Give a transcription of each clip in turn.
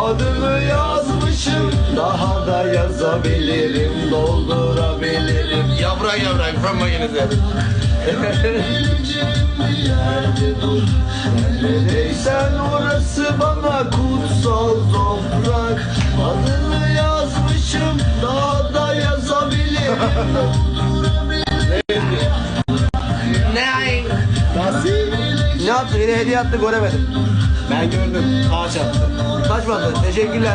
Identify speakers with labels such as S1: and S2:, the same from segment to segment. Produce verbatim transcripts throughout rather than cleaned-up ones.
S1: Adını yazmışım, daha da yazabilirim, doldurabilirim. Yavrak yavrak from mayoneze. Neredeysen orası bana kutsal toprak. Adını yazmışım, daha da yazabilirim. Ne?
S2: Nasıl?
S1: Ne yaptı? Yine hediye attı, göremedim.
S2: Ben gördüm. Ağaç attı.
S1: Kaçmadı. Teşekkürler.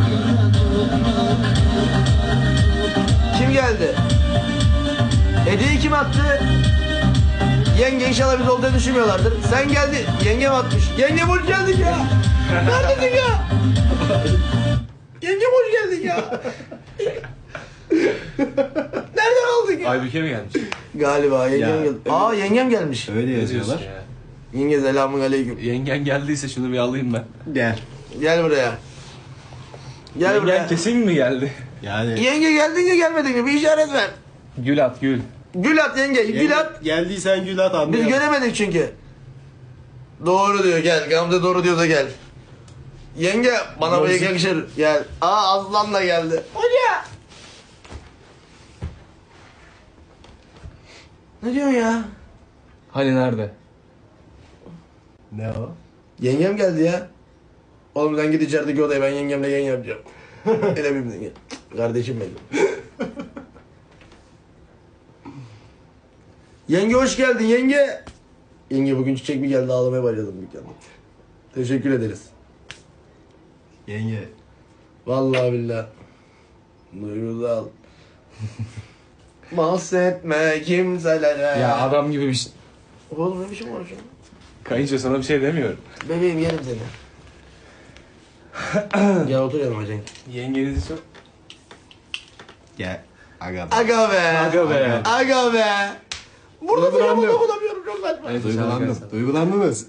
S1: Kim geldi? Hediyeyi kim attı? Yenge, inşallah biz olduğunu düşünmüyorlardır. Sen geldi. Yengem atmış. Yengem hoş geldin ya. Neredesin ya? Yengem hoş geldin ya. Nereden aldın ya?
S3: Aybüke mi gelmiş?
S1: Galiba yengem
S2: Ya,
S1: geldi. Aa, yengem gelmiş.
S2: Öyle yazıyorlar.
S3: Ya.
S1: Yenge selamun aleyküm.
S3: Yengen geldiyse şunu bir alayım ben.
S2: Gel.
S1: Gel buraya. Gel
S3: Yengen
S1: buraya.
S3: kesin mi geldi?
S2: Yani
S1: Yenge geldin mi gelmedin mi? Bir işaret ver.
S3: Gül at gül.
S1: Gül at yenge. Gül at.
S2: geldiysen gül at
S1: Biz
S2: anlayalım.
S1: göremedik çünkü. Doğru diyor, gel. Gamze doğru diyorsa gel. Yenge bana bu yakışır. Gel. Aa, Aslan da geldi. Hoca. Ne diyorsun ya?
S3: Hani nerede?
S2: Ne o?
S1: Yengem geldi ya. Oğlum sen git içerideki odaya, ben yengemle yayın yapacağım. Hele bir gel. Kardeşim benim. Yenge hoş geldin yenge. Yenge bugün çiçek mi geldi, ağlamaya başladım dükkanda. Teşekkür ederiz.
S2: Yenge.
S1: Vallahi billahi. Duygusal. Bahsetme kimselere.
S3: Ya adam gibi bir şey.
S1: Oğlum ne biçim var şu an?
S3: Kayınca sana bir şey demiyorum.
S1: Bebeğim yerim seni. Gel otur yanıma Cenk.
S3: Yengenizi çok...
S2: Gel. Aga.
S1: Aga be.
S3: Aga be.
S1: Aga be. Burada da
S2: Duygulandım.
S1: yapamam, bulamıyorum, çok saçma.
S3: Evet,
S2: Duygulandım. Duygulandınız.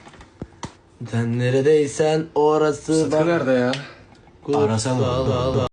S1: Sen neredeysen orası
S3: Sıtkı nerede ya?
S2: Arasana.
S1: Kutsal alan.